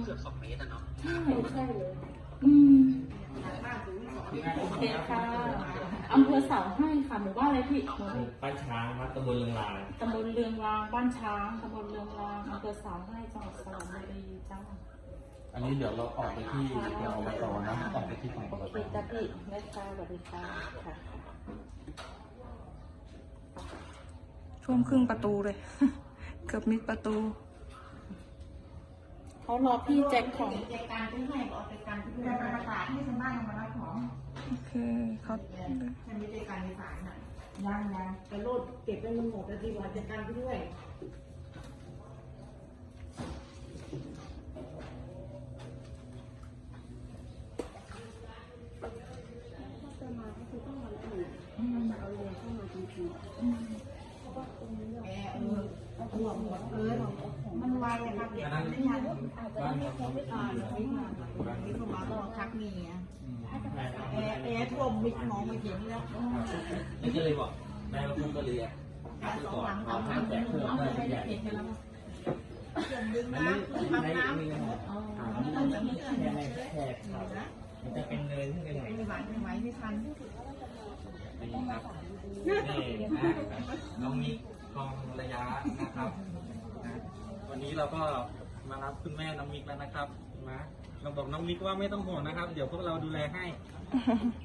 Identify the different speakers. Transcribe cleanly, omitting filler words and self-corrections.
Speaker 1: เกือบ2 เมตรอะเนาะ
Speaker 2: ใช่เลย
Speaker 3: โอเค
Speaker 2: ค่ะอำเภอเสาให้ค่ะหมู่บ้านอะไรพี่
Speaker 3: บ้านช้างวัดตำบลเรืองราง
Speaker 2: ตำบลเรืองรางบ้านช้างตำบลเรืองรางอำเภอเสาให้จังหวัดสระบุรีจ้า
Speaker 4: อันนี้เดี๋ยวเราออกไปที่อบตนะออกไปที่ของอบต
Speaker 2: จ้าพี่แม่ค่ะสวัสดีค่ะค่ะ
Speaker 5: ท่วมครึ่งประตูเลย เกือบมิดประตู
Speaker 2: เขารอพี่แจ็คของ
Speaker 6: จัดการที่ให้บอกจัดการที่ให้ประกาศให้ชาวบ้านมารับของ
Speaker 5: โอเคเขา
Speaker 6: ฉันไม่ได้การในศาลน่ะยังแต่โลดเก็บไว้มันหมดแล้วดีกว่าจัดการที่ด้วยหัวหมดเลยมันไวนะครับเด็กไม่ทันบ้านนี้เขาไม่ทันนี่เขามาก็ทักมีอ่ะแอร์ท่วมมิดมองไม่เห็นแล้ว
Speaker 3: นี่ก็เลยบอกแม่ว่าพุ่งก็เลย
Speaker 6: สองหลังเอาน้ำแต่เพิ่มเลยไม่ได้เห็นแล้วเขื่อนดึงน้ำทำน้ำมันจะมีเขื่อนแค่
Speaker 3: ครับมันจะเป็นเลยขึ้นไปหน่อย
Speaker 6: ไม่ไหวไม่ทัน
Speaker 3: นี่ครับนี่นะน้องมิกทองระยะนะครับวันนี้เราก็มารับคุณแม่น้องมิกแล้วนะครับนะเราบอกน้องมิกว่าไม่ต้องห่วงนะครับเดี๋ยวพวกเราดูแลให้